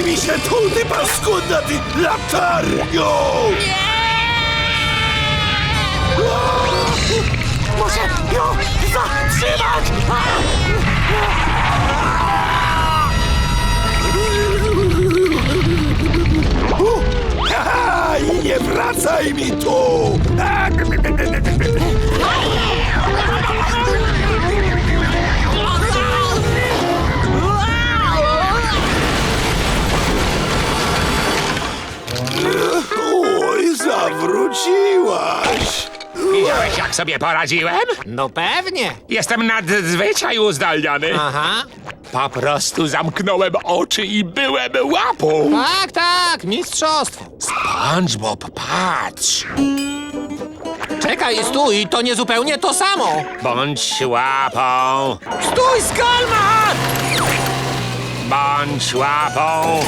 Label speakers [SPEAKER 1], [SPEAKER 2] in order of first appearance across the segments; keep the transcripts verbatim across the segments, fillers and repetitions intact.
[SPEAKER 1] Zajmij się tu, ty paskudna, ty latarnią!
[SPEAKER 2] Muszę ją zatrzymać!
[SPEAKER 1] Haha, i nie wracaj mi tu! Oj, zawróciłaś!
[SPEAKER 3] Widziałeś, jak sobie poradziłem?
[SPEAKER 4] No pewnie.
[SPEAKER 3] Jestem nadzwyczaj uzdolniony.
[SPEAKER 4] Aha.
[SPEAKER 3] Po prostu zamknąłem oczy i byłem łapą.
[SPEAKER 4] Tak, tak, mistrzostwo.
[SPEAKER 3] SpongeBob, patrz.
[SPEAKER 4] Czekaj, stój, to nie zupełnie to samo.
[SPEAKER 3] Bądź łapą,
[SPEAKER 4] Stój, Skalmar!
[SPEAKER 3] bądź łapą.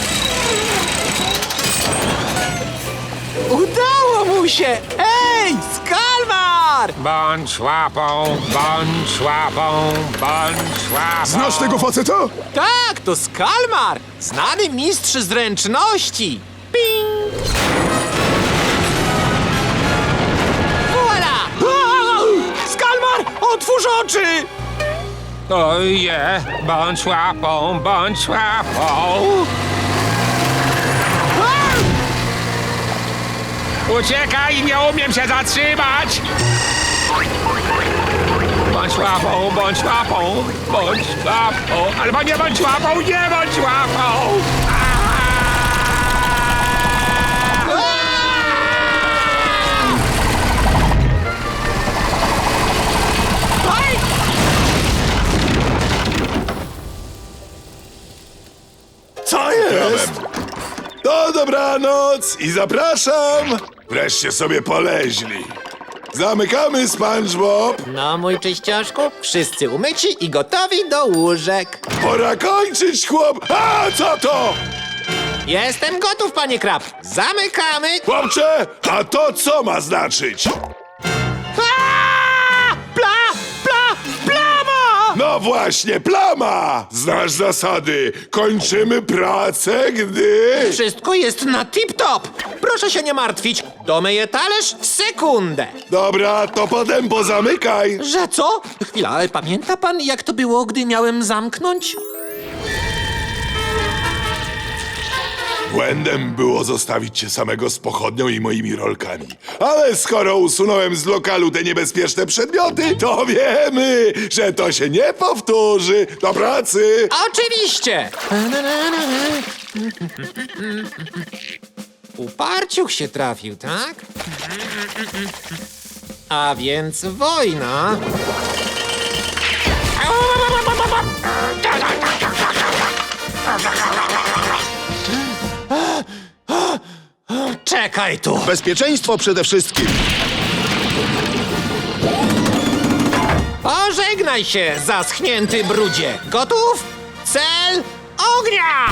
[SPEAKER 4] Udało mu się! Ej, Skalmar!
[SPEAKER 3] Bądź łapą, bądź łapą, bądź łapą.
[SPEAKER 1] Znasz tego faceta?
[SPEAKER 4] Tak, to Skalmar! Znany mistrz zręczności. Ping! Voila! Skalmar, otwórz oczy!
[SPEAKER 3] Oje, bądź łapą, bądź łapą. Uciekaj, nie umiem się zatrzymać! Bądź łapą, bądź łapą, bądź łapą, albo nie bądź łapą, nie bądź łapą!
[SPEAKER 1] Co jest? To dobranoc i zapraszam! Wreszcie sobie poleźli. Zamykamy, SpongeBob.
[SPEAKER 4] No, mój czyścioszku, wszyscy umyci i gotowi do łóżek.
[SPEAKER 1] Pora kończyć, chłop. A, co to?
[SPEAKER 4] Jestem gotów, panie Krab. Zamykamy.
[SPEAKER 1] Chłopcze, a to co ma znaczyć?
[SPEAKER 4] Aaa! Pla, pla, plama!
[SPEAKER 1] No właśnie, plama! Znasz zasady. Kończymy pracę, gdy...
[SPEAKER 4] Wszystko jest na tip-top. Proszę się nie martwić. Domyję talerz w sekundę.
[SPEAKER 1] Dobra, to potem pozamykaj.
[SPEAKER 4] Że co? Chwila, ale pamięta pan, jak to było, gdy miałem zamknąć?
[SPEAKER 1] Błędem było zostawić cię samego z pochodnią i moimi rolkami. Ale skoro usunąłem z lokalu te niebezpieczne przedmioty, to wiemy, że to się nie powtórzy. Do pracy!
[SPEAKER 4] Oczywiście! Uparciuch się trafił, tak? A więc wojna. Czekaj tu!
[SPEAKER 5] Bezpieczeństwo przede wszystkim.
[SPEAKER 4] Pożegnaj się, zaschnięty brudzie! Gotów? Cel ognia!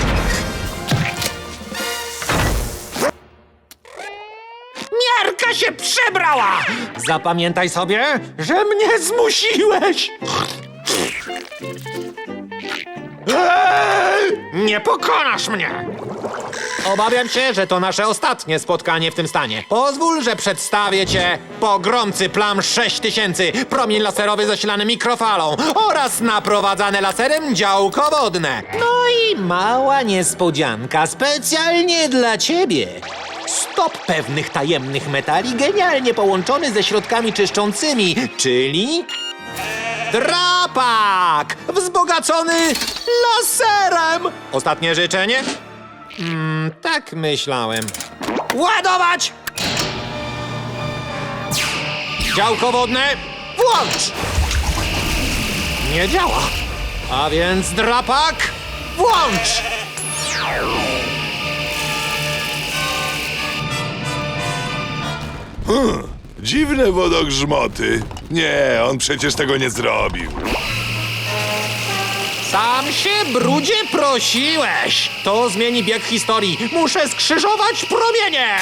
[SPEAKER 4] Miarka się przebrała! Zapamiętaj sobie, że mnie zmusiłeś! Eee! Nie pokonasz mnie! Obawiam się, że to nasze ostatnie spotkanie w tym stanie. Pozwól, że przedstawię cię pogromcy plam sześć tysięcy, promień laserowy zasilany mikrofalą oraz naprowadzane laserem działko wodne. No i mała niespodzianka specjalnie dla ciebie. Stop pewnych tajemnych metali genialnie połączony ze środkami czyszczącymi, czyli... Drapak! Wzbogacony laserem! Ostatnie życzenie? Mm, tak myślałem. Ładować! Działko wodne, włącz! Nie działa. A więc drapak, włącz!
[SPEAKER 1] Dziwne wodogrzmoty. Nie, on przecież tego nie zrobił.
[SPEAKER 4] Sam się, brudzie, prosiłeś! To zmieni bieg historii. Muszę skrzyżować promienie!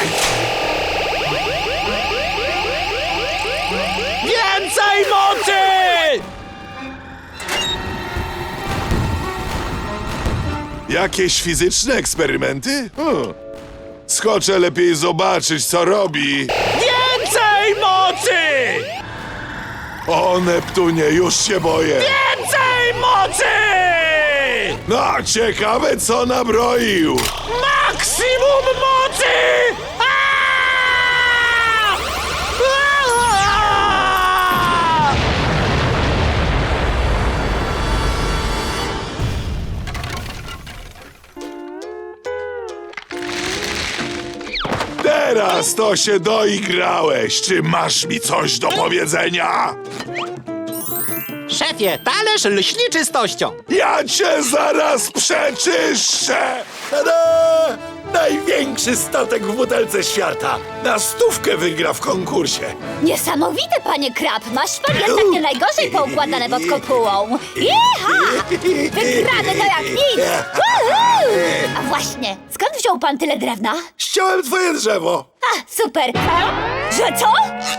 [SPEAKER 4] Więcej mocy!
[SPEAKER 1] Jakieś fizyczne eksperymenty? Hmm. Skoczę lepiej zobaczyć, co robi.
[SPEAKER 3] Więcej mocy!
[SPEAKER 1] O, Neptunie, już się boję.
[SPEAKER 3] Więcej mocy!
[SPEAKER 1] No, ciekawe, co nabroił.
[SPEAKER 3] Maksimum mocy! Aaaa! Aaaa!
[SPEAKER 1] Teraz to się doigrałeś. Czy masz mi coś do powiedzenia?
[SPEAKER 4] Szefie, talerz lśni czystością.
[SPEAKER 1] Ja cię zaraz przeczyszczę! Tada! Największy statek w butelce świata. Na stówkę wygra w konkursie.
[SPEAKER 2] Niesamowite, panie Krab! Masz pan jednak nie najgorzej poukładane pod kopułą. Jeha! Wygrany to jak nic! Uhu! A właśnie, skąd wziął pan tyle drewna?
[SPEAKER 1] Ściąłem twoje drzewo.
[SPEAKER 2] A, super! Że co?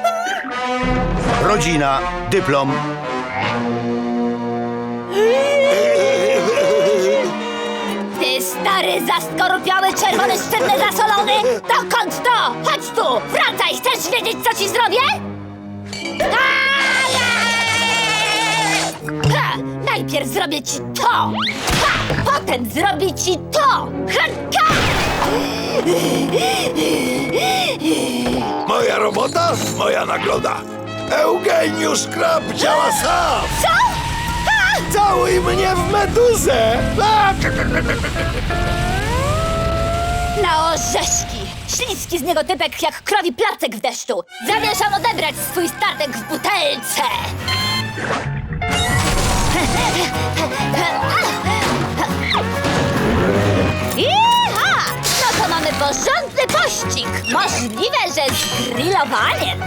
[SPEAKER 5] Rodzina, dyplom.
[SPEAKER 2] Ty stary, zaskorupiały, czerwony, sztywny, zasolony! Dokąd to? Chodź tu! Wracaj! Chcesz wiedzieć, co ci zrobię? Ha! Najpierw zrobię ci to! Ha! Potem zrobię ci to! Ha! Ha!
[SPEAKER 1] Moja robota, moja nagroda. Eugeniusz Krab działa sam.
[SPEAKER 2] Co? Ha!
[SPEAKER 1] Całuj mnie w meduzę. A!
[SPEAKER 2] Na orzeszki! Śliski z niego typek jak krowi placek w deszczu! Zamierzam odebrać swój statek w butelce! Iha! No to mamy porządny pościg! Możliwe, że z grillowaniem!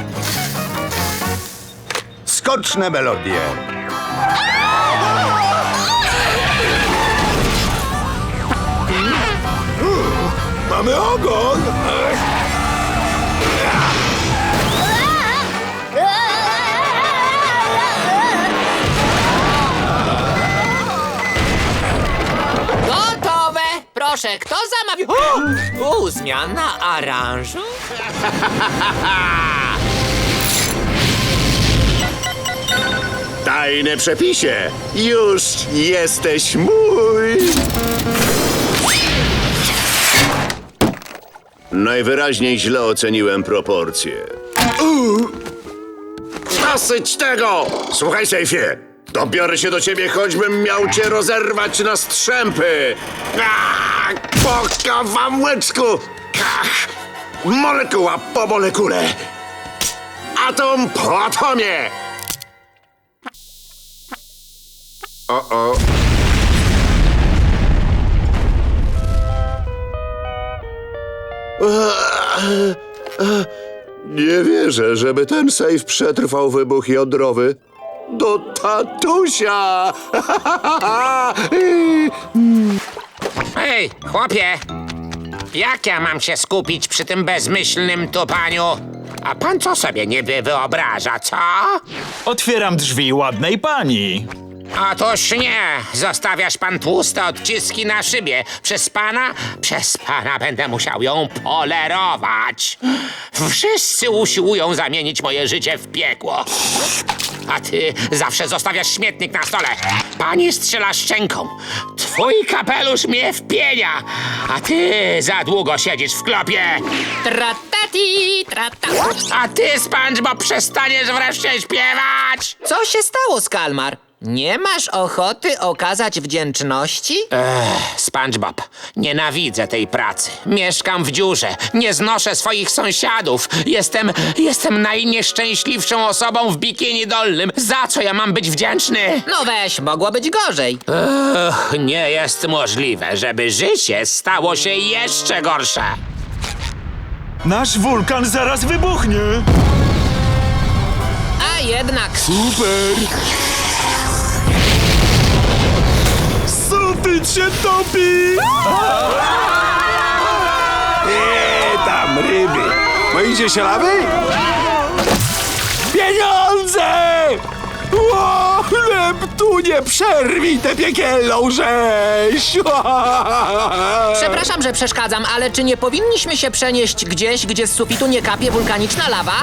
[SPEAKER 5] Skoczne melodie.
[SPEAKER 1] Mamy ogon.
[SPEAKER 4] Gotowe! Proszę, kto zamawił? O, u, zmiana aranżu?
[SPEAKER 5] Tajne przepisie. Już jesteś mój. Najwyraźniej źle oceniłem proporcje. Uuu. Dosyć tego! Słuchaj, Sejfie. Dobiorę się do ciebie, choćbym miał cię rozerwać na strzępy. Ach, po kawałeczku. Ach, molekuła po molekule. Atom po atomie. O-o. Nie wierzę, żeby ten sejf przetrwał wybuch jądrowy. Do tatusia!
[SPEAKER 3] Hej, chłopie! Jak ja mam się skupić przy tym bezmyślnym tupaniu? A pan co sobie niby wyobraża, co?
[SPEAKER 6] Otwieram drzwi ładnej pani.
[SPEAKER 3] Otóż nie! Zostawiasz pan tłuste odciski na szybie. Przez pana? Przez pana będę musiał ją polerować. Wszyscy usiłują zamienić moje życie w piekło. A ty zawsze zostawiasz śmietnik na stole. Pani strzela szczęką. Twój kapelusz mnie wpienia. A ty za długo siedzisz w klopie.
[SPEAKER 4] Tratati, trata.
[SPEAKER 3] A ty, SpongeBob, przestaniesz wreszcie śpiewać.
[SPEAKER 4] Co się stało, Skalmar? Nie masz ochoty okazać wdzięczności?
[SPEAKER 3] SpongeBob, nienawidzę tej pracy. Mieszkam w dziurze, nie znoszę swoich sąsiadów. Jestem, jestem najnieszczęśliwszą osobą w bikini dolnym. Za co ja mam być wdzięczny?
[SPEAKER 4] No weź, mogło być gorzej.
[SPEAKER 3] Ech, nie jest możliwe, żeby życie stało się jeszcze gorsze.
[SPEAKER 6] Nasz wulkan zaraz wybuchnie.
[SPEAKER 4] A jednak...
[SPEAKER 6] Super. Sufit się topi.
[SPEAKER 1] Eee, tam ryby. Boicie się lawy? Pieniądze! O, Neptunie, przerwij tę piekielną rzeź!
[SPEAKER 7] Przepraszam, że przeszkadzam, ale czy nie powinniśmy się przenieść gdzieś, gdzie z sufitu nie kapie wulkaniczna lawa?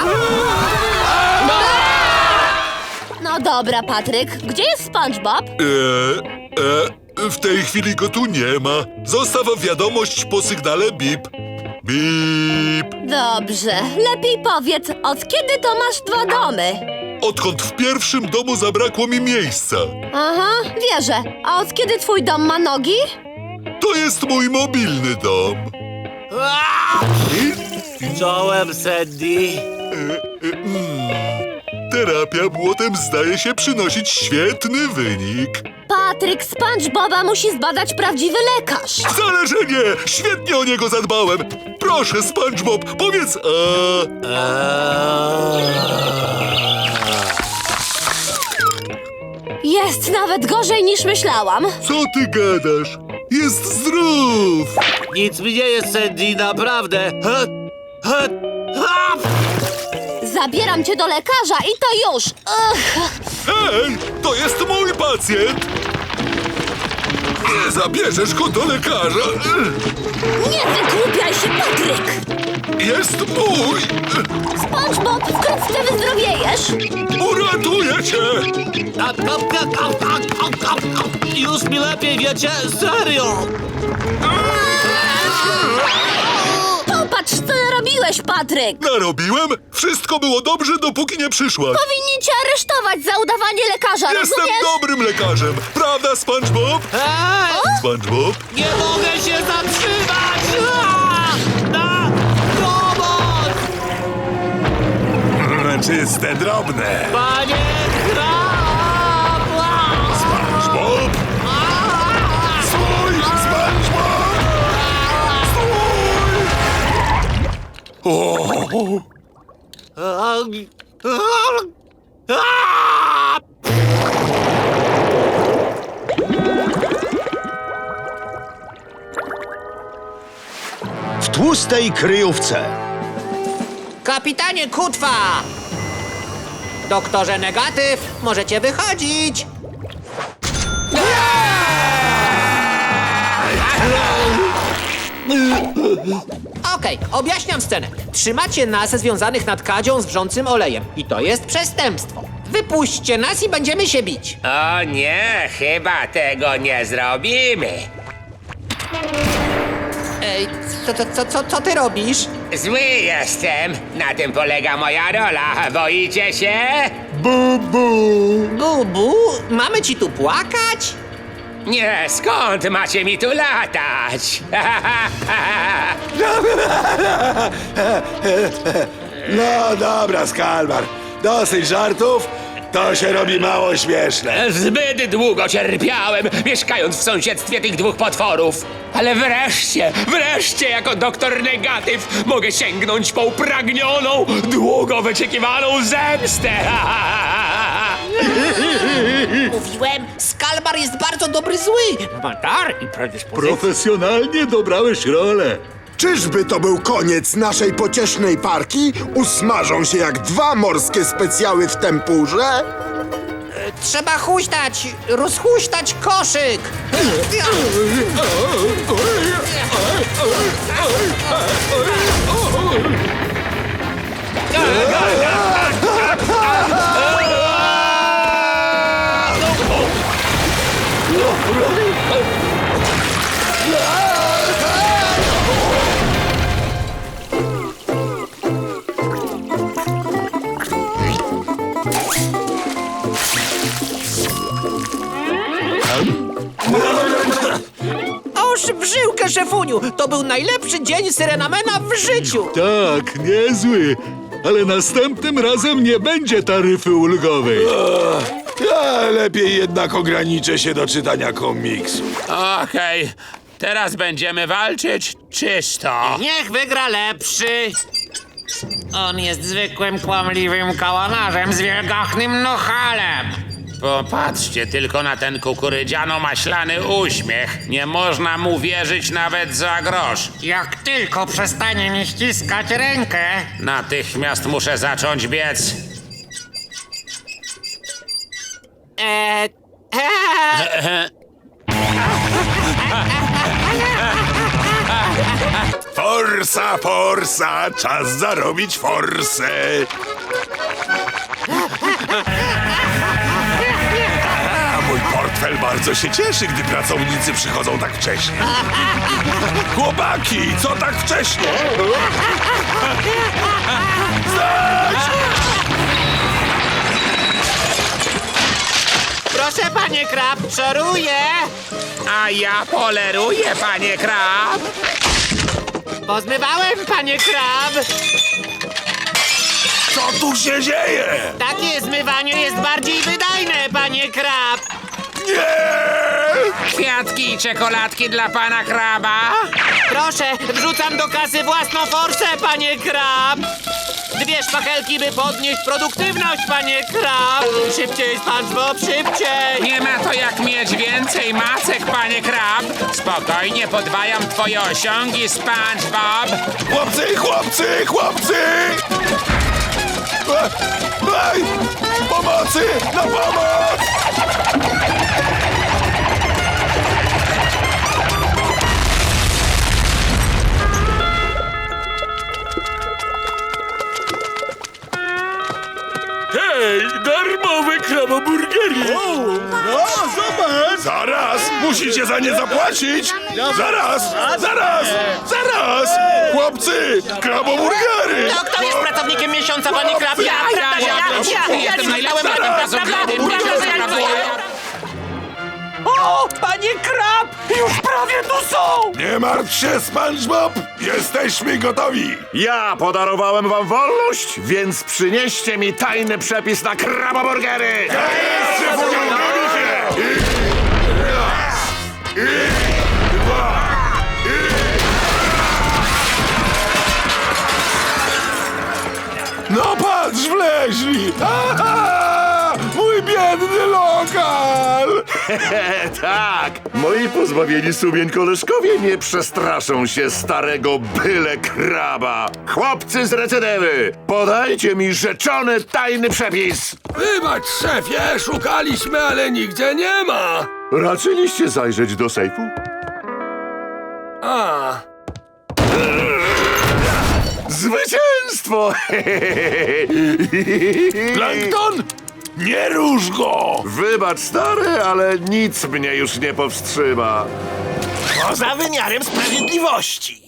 [SPEAKER 2] No dobra, Patryk, gdzie jest SpongeBob?
[SPEAKER 1] E, e, w tej chwili go tu nie ma. Zostaw wiadomość po sygnale bip. Bip.
[SPEAKER 2] Dobrze, lepiej powiedz, od kiedy to masz dwa domy?
[SPEAKER 1] Odkąd w pierwszym domu zabrakło mi miejsca.
[SPEAKER 2] Aha, wierzę. A od kiedy twój dom ma nogi?
[SPEAKER 1] To jest mój mobilny dom.
[SPEAKER 8] Czołem, Sandy.
[SPEAKER 1] Terapia błotem zdaje się przynosić świetny wynik.
[SPEAKER 2] Patryk, SpongeBoba musi zbadać prawdziwy lekarz.
[SPEAKER 1] Wcale, że nie! Świetnie o niego zadbałem. Proszę, SpongeBob, powiedz a...
[SPEAKER 2] Jest nawet gorzej niż myślałam.
[SPEAKER 1] Co ty gadasz? Jest zdrów!
[SPEAKER 8] Nic mi nie jest, Sandy, naprawdę. Ha, ha, ha!
[SPEAKER 2] Zabieram cię do lekarza i to już. Ugh.
[SPEAKER 1] Ej, to jest mój pacjent! Nie zabierzesz go do lekarza!
[SPEAKER 2] Nie wygłupiaj się, Patryk!
[SPEAKER 1] Jest mój!
[SPEAKER 2] SpongeBob, wkrótce wyzdrowiejesz.
[SPEAKER 1] Uratuję cię!
[SPEAKER 8] A, a, a, a, a, a, a. Już mi lepiej, wiecie? Serio!
[SPEAKER 2] Popatrz, co narobiłeś, Patryk!
[SPEAKER 1] Narobiłem? Wszystko było dobrze, dopóki nie przyszłaś.
[SPEAKER 2] Powinni cię aresztować za udawanie lekarza,
[SPEAKER 1] Jestem
[SPEAKER 2] rozumiesz?
[SPEAKER 1] dobrym lekarzem, prawda, SpongeBob?
[SPEAKER 8] Hej!
[SPEAKER 1] SpongeBob?
[SPEAKER 8] Nie mogę się zatrzymać! A! Na pomoc!
[SPEAKER 1] Czyste, drobne.
[SPEAKER 8] Panie Krab! A!
[SPEAKER 1] SpongeBob? Stój! SpongeBob! Stój! O!
[SPEAKER 8] A! A! A!
[SPEAKER 9] W tłustej kryjówce.
[SPEAKER 7] Kapitanie Kutwa! Doktorze Negatyw, możecie wychodzić! Okej, objaśniam scenę. Trzymacie nas związanych nad kadzią z wrzącym olejem. I to jest przestępstwo. Wypuśćcie nas i będziemy się bić.
[SPEAKER 3] O nie, chyba tego nie zrobimy.
[SPEAKER 7] Ej, co, co, co, co, co ty robisz?
[SPEAKER 3] Zły jestem. Na tym polega moja rola. Boicie się?
[SPEAKER 7] Bubu, mamy ci tu płakać?
[SPEAKER 3] Nie, skąd macie mi tu latać?
[SPEAKER 1] No dobra, Skalmar. Dosyć żartów. To się robi mało śmieszne.
[SPEAKER 3] Zbyt długo cierpiałem, mieszkając w sąsiedztwie tych dwóch potworów. Ale wreszcie, wreszcie jako doktor Negatyw mogę sięgnąć po upragnioną, długo wyczekiwaną zemstę.
[SPEAKER 7] Mówiłem, Skalmar jest bardzo dobry zły. Ma dar i predyspozycje.
[SPEAKER 1] Profesjonalnie dobrałeś rolę.
[SPEAKER 10] Czyżby to był koniec naszej pociesznej parki? Usmażą się jak dwa morskie specjały w tempurze?
[SPEAKER 7] Trzeba huśtać, rozhuśtać koszyk. Oż w żyłkę, szefuniu! To był najlepszy dzień Syrenamena w życiu!
[SPEAKER 1] Tak, niezły. Ale następnym razem nie będzie taryfy ulgowej. Ja lepiej jednak ograniczę się do czytania komiksu.
[SPEAKER 3] Okej, teraz będziemy walczyć czysto.
[SPEAKER 7] Niech wygra lepszy! On jest zwykłym, kłamliwym kałanarzem z wielgachnym nohalem!
[SPEAKER 3] Popatrzcie tylko na ten kukurydziano-maślany uśmiech. Nie można mu wierzyć nawet za grosz.
[SPEAKER 7] Jak tylko przestanie mi ściskać rękę...
[SPEAKER 3] Natychmiast muszę zacząć biec.
[SPEAKER 7] Eee... eee.
[SPEAKER 1] Forsa, forsa, czas zarobić forsę. A, mój portfel bardzo się cieszy, gdy pracownicy przychodzą tak wcześnie. Chłopaki, co tak wcześnie? Stać!
[SPEAKER 7] Proszę, panie Krab, szoruję!
[SPEAKER 3] A ja poleruję, panie Krab.
[SPEAKER 7] Pozmywałem, panie Krab!
[SPEAKER 1] Co tu się dzieje?
[SPEAKER 7] Takie zmywanie jest bardziej wydajne, panie Krab!
[SPEAKER 1] Nie!
[SPEAKER 3] Kwiatki i czekoladki dla pana Kraba.
[SPEAKER 7] Proszę, wrzucam do kasy własną forsę, panie Krab! Dwie szpachelki, by podnieść produktywność, panie Krab! Szybciej, SpongeBob, szybciej!
[SPEAKER 3] Nie ma to jak mieć więcej macek, panie Krab. Spokojnie podwajam twoje osiągi, SpongeBob.
[SPEAKER 1] Chłopcy, chłopcy, chłopcy! E, Ej! Pomocy! Na pomoc!
[SPEAKER 6] Hej, darmowe kraboburgery!
[SPEAKER 1] No, zobacz! Zaraz! Musicie za nie zapłacić! Zaraz! Zaraz! Zaraz! Chłopcy! Kraboburgery!
[SPEAKER 7] To kto jest pracownikiem miesiąca, panie Krab? Ja, prawda, ja, ja, ja,
[SPEAKER 3] Jestem najlepszym
[SPEAKER 1] Zaraz!
[SPEAKER 3] pracownikiem.
[SPEAKER 6] O, panie Krab! Już prawie tu są!
[SPEAKER 1] Nie martw się, SpongeBob! Jesteśmy gotowi!
[SPEAKER 5] Ja podarowałem wam wolność, więc przynieście mi tajny przepis na kraboburgery!
[SPEAKER 1] Jeszcze powiększyli się! I raz! I dwa! I... No patrz, wleźli! Aha! Mój biedny lokal!
[SPEAKER 5] Tak! Moi pozbawieni sumień koleżkowie nie przestraszą się starego byle kraba! Chłopcy z recydywy! Podajcie mi rzeczony tajny przepis!
[SPEAKER 6] Wybacz, szefie, szukaliśmy, ale nigdzie nie ma!
[SPEAKER 5] Raczyliście zajrzeć do sejfu?
[SPEAKER 6] A,
[SPEAKER 5] Zwycięstwo!
[SPEAKER 1] Plankton! Nie rusz go!
[SPEAKER 5] Wybacz, stary, ale nic mnie już nie powstrzyma.
[SPEAKER 6] poza wymiarem sprawiedliwości!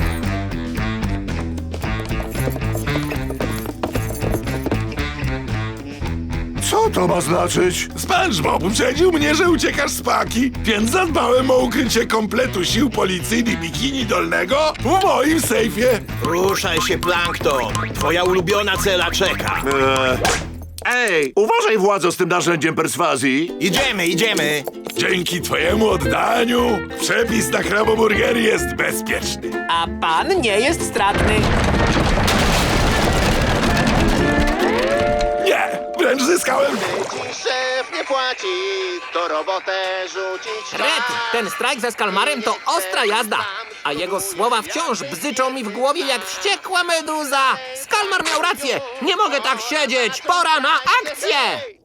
[SPEAKER 5] Co to ma znaczyć?
[SPEAKER 1] SpongeBob uprzedził mnie, że uciekasz z paki, więc zadbałem o ukrycie kompletu sił policyjnych bikini dolnego w moim sejfie.
[SPEAKER 6] Ruszaj się, Plankton! Twoja ulubiona cela czeka!
[SPEAKER 5] Eee, ej, uważaj, władzo, z tym narzędziem perswazji.
[SPEAKER 6] Idziemy, idziemy!
[SPEAKER 1] Dzięki twojemu oddaniu przepis na kraboburgery jest bezpieczny.
[SPEAKER 7] A pan nie jest stratny.
[SPEAKER 1] Nie, wręcz zyskałem.
[SPEAKER 11] Szef nie płaci, to robotę rzucić.
[SPEAKER 7] Red, ten strajk ze Skalmarem to ostra jazda. A jego słowa wciąż bzyczą mi w głowie jak wściekła meduza. Skalmar miał rację. Nie mogę tak siedzieć. Pora na akcję.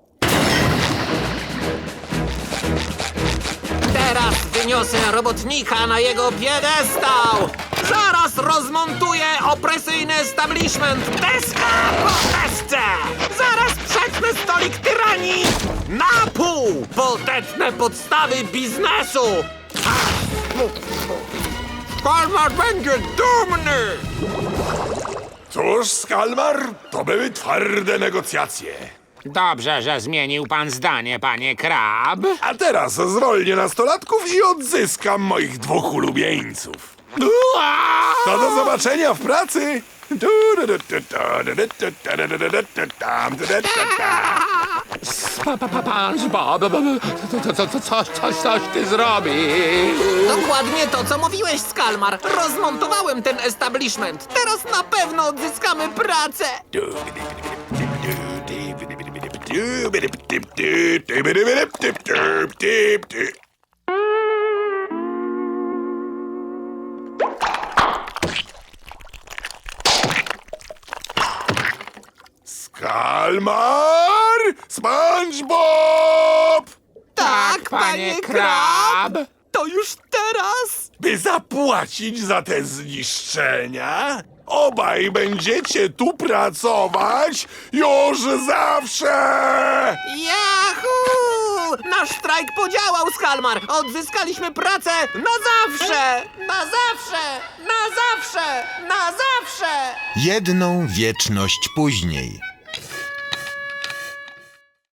[SPEAKER 7] Teraz wyniosę robotnika na jego piedestał. Zaraz rozmontuję opresyjny establishment. Deska po desce. Zaraz przetnę stolik tyranii na pół. Podetnę podstawy biznesu. Skalmar będzie dumny.
[SPEAKER 1] Cóż, Skalmar, to były twarde negocjacje.
[SPEAKER 3] Dobrze, że zmienił pan zdanie, panie Krab.
[SPEAKER 1] A teraz zwolnię nastolatków i odzyskam moich dwóch ulubieńców. To do zobaczenia w pracy.
[SPEAKER 3] SpongeBob, co, co, co, coś, coś, coś ty zrobił.
[SPEAKER 7] Dokładnie to, co mówiłeś, Skalmar. Rozmontowałem ten establishment. Teraz na pewno odzyskamy pracę.
[SPEAKER 1] Skalmar! SpongeBob!
[SPEAKER 7] Tak, panie Krab! To już teraz?
[SPEAKER 1] By zapłacić za te zniszczenia, obaj będziecie tu pracować już zawsze!
[SPEAKER 7] Yahoo! Nasz strajk podziałał, Skalmar! Odzyskaliśmy pracę na zawsze! Na zawsze! Na zawsze! Na zawsze!
[SPEAKER 12] Jedną wieczność później.